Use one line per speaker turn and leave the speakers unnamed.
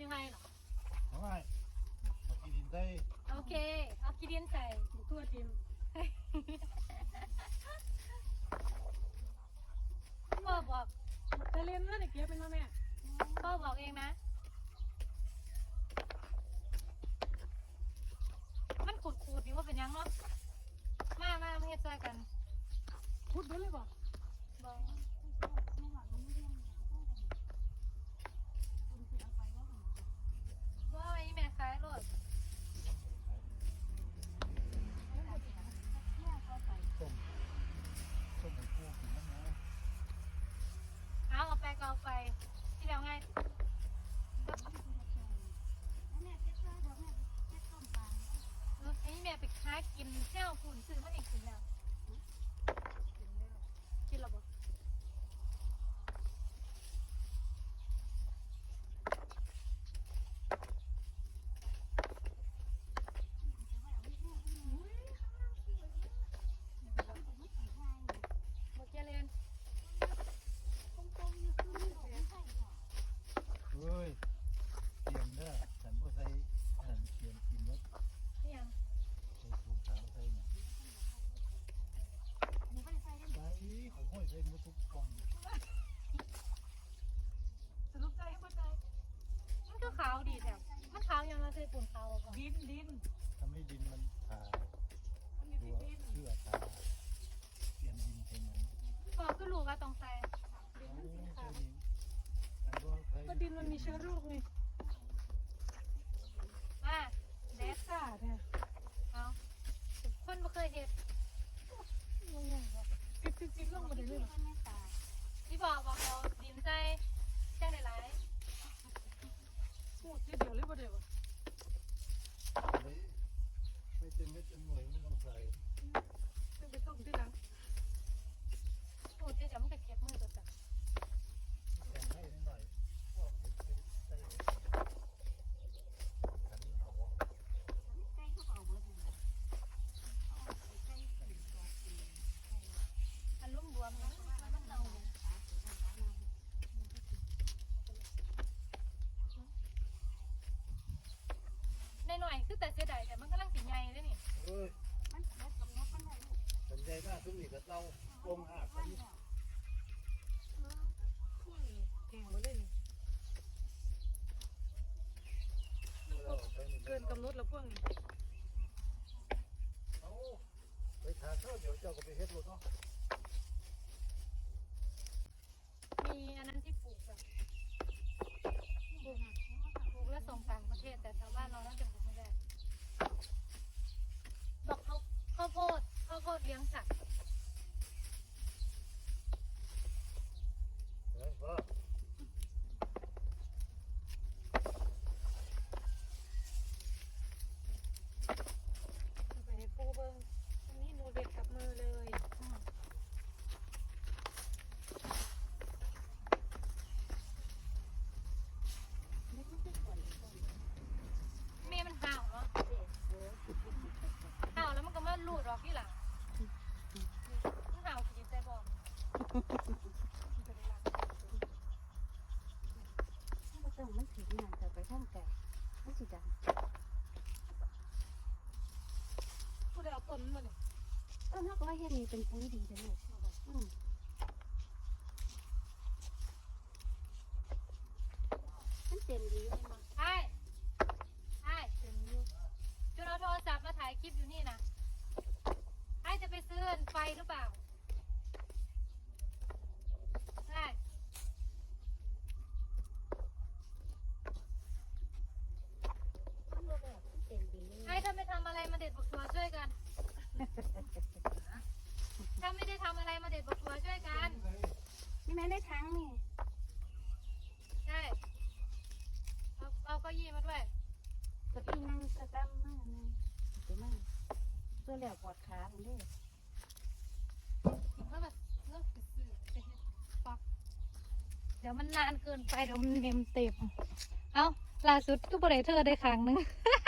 ยังไงเหรอ
ไม่เอากินดินได้
โอเคเอาขี้ดินใส่ทั่วทีมพ่อบอกจะเล่นแล้วเด็กเก็บเป็นพ่อแม่พ่อบอกเองนะมันขูดนี่ว่าเป็นยังเนาะมาเฮ็ดซอยกันขุดไปเลยบอกว่าไอ้แม่ขายรถ
ต้มให้พวกกินน้ำนะ
เอาไปก็เอาไปที่แล้วไงไอ้แม่ไปค้ากินแค่เอาฝุ่นซื้อมาเองกินแล้วกินแล้วบ่บ่เจริญ
เฮ้ยเตรียมเด้อฉันก็ใส่อันนั้นเตรียมกินไว้
นี่ยัง
ใส่ถุงขาวใส่หนังใส่ของห้อยใส่หมดทุกกล่อง
สรุปใจให้บ่ใจมันก็ขาวดีแถมมันขาวยังเราใส่ปุ่นขาวก่อนดิน
ทำให้ดินมันผ่าตัวเชื่อผ่าเปลี่ยนดินเป็นหนัง
ก็ก็รู้ว่าต้องใส่
ใช่ดินอันก็เคย
ก็ดินมันมีเชื้อโรคไง
เดส
ซ่าเนี่ย
เอาคนบ่เคยเห็ด
ติดลงมาเลยเลย
ที่บอกเอาดินใส่จังได้หลาย
พูดทีเดียวเลยประเดี๋ยว
ไม่เต็มไม่เต็มหน่วยไม่ต้องใส่
ไปต้มที่หลัง
พูดจะจะมันก็เก็บมือตัวจ้ะ
แต่งให้นิดหน่อยพวกใส่ขันเอา
อันลุ่มบวมนะมันเน่าหน่อยๆคือแต่เสียดายแต่มันกำลังสิใหญ่เลยนี่
เฮ้ยสัญญาหน้าทุ่มนี่ก็เราลงหักไป
แทงมาเลยนี่เกินกำหนดแล้วพวกนี้
เอาไปทานข้าวเดี๋ยวเจ้าก็ไปเฮ็ดรถเนาะ
มีอันนั้นที่ปลูกแบบปลูกแล้วส่งต่างประเทศแต่ชาวบ้านเราน่าจะปลูกไม่ได้บอกข้าวโพดเลี้ยงสัตว์
เฮ้ยพ่อ
ไปให้ปูเบิ้งอันนี้หนูเด็ดกับมือเลย
เมย์มันห่าวเนาะห่าวแล้วมันก็มาลูดออกที่หลังมันห่าวกินใจบอก
ไม่ต้องมันถึงงานจะไปห้องแต่ไม่สิดัง
ผู้ใดเอาต้นมาเนี่ย
ต้นนักว่าเฮ็ดนี่เป็นปุ๋ยดีเลยลูกมันเต็มดีเลยมั้ง
ไอ้ถึงอยู่จุดเอาโทรศัพท์มาถ่ายคลิปอยู่นี่นะไอ้จะไปซื้อไฟหรือเปล่าใช่
มันบ่แบบมันเต็มดีเลย
ไอ้ถ้าไม่ทำอะไรมาเด็ดบักตัวช่วยกัน ถ้าไม่ได้ทำอะไรมาเด็ดบักตัวช่วยกัน
นี่แม่ได้ทั้งนี่
ใช่เอาเก้าอี้มาด้วย
กับพี่นั่งกระตั้มมากเลยเดี๋ยวมั่งเพื่อแล้วปวดขาผมด้วย
แล้วแบบเลิกไปซื้อไปเฮ็ดปักเดี๋ยวมันนานเกินไปเดี๋ยวมันเมมเต็มเอาล่าสุดก็บริเธอได้ครั้งนึง